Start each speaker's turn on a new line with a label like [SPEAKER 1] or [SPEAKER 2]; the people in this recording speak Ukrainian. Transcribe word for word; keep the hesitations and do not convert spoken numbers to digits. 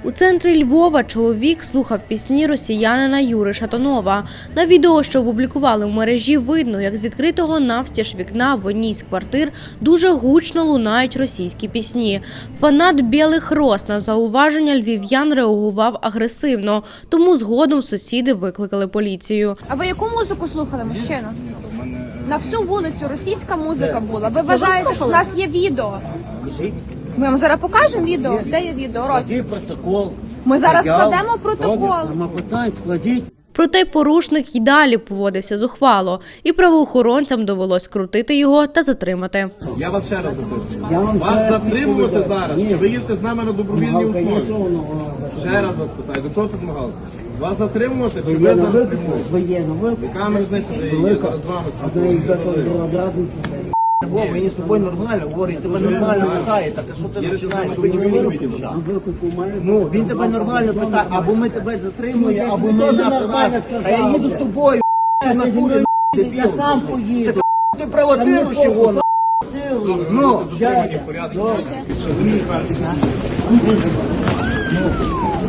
[SPEAKER 1] У центрі Львова чоловік слухав пісні росіянина Юри Шатунова. На відео, що опублікували в мережі, видно, як з відкритого навстіж вікна в одній з квартир дуже гучно лунають російські пісні. Фанат «Білих роз» на зауваження львів'ян реагував агресивно, тому згодом сусіди викликали поліцію.
[SPEAKER 2] А ви яку музику слухали, мужчина? На всю вулицю російська музика була. Ви вважаєте, що в нас є відео? Ми вам зараз покажемо відео. Де є відео? Роз...
[SPEAKER 3] протокол.
[SPEAKER 2] Ми зараз складемо протокол.
[SPEAKER 3] Нема питань, складіть.
[SPEAKER 1] Проте порушник й далі поводився зухвало, і правоохоронцям довелось крутити його та затримати.
[SPEAKER 4] Я вас ще раз запитую. Вас затримувати зараз, чи ви їдете з нами на добровільній основі? Ще раз вас питаю, до чого тут намагалися? Вас затримувати, чи ви зараз затримуєте?
[SPEAKER 3] Ви є на виклик.
[SPEAKER 4] Яка різниця, де я зараз з вами спілкуюся?
[SPEAKER 3] О, мені з тобою нормально говорить, тебе нормально питає, так а що ти починаєш? Ви чому не включав? Ну, він тебе нормально питає, або ми тебе затримуємо, або ми нормально. А я їду з тобою, на курі, я сам поїду. Ти провоцируєш його, ну.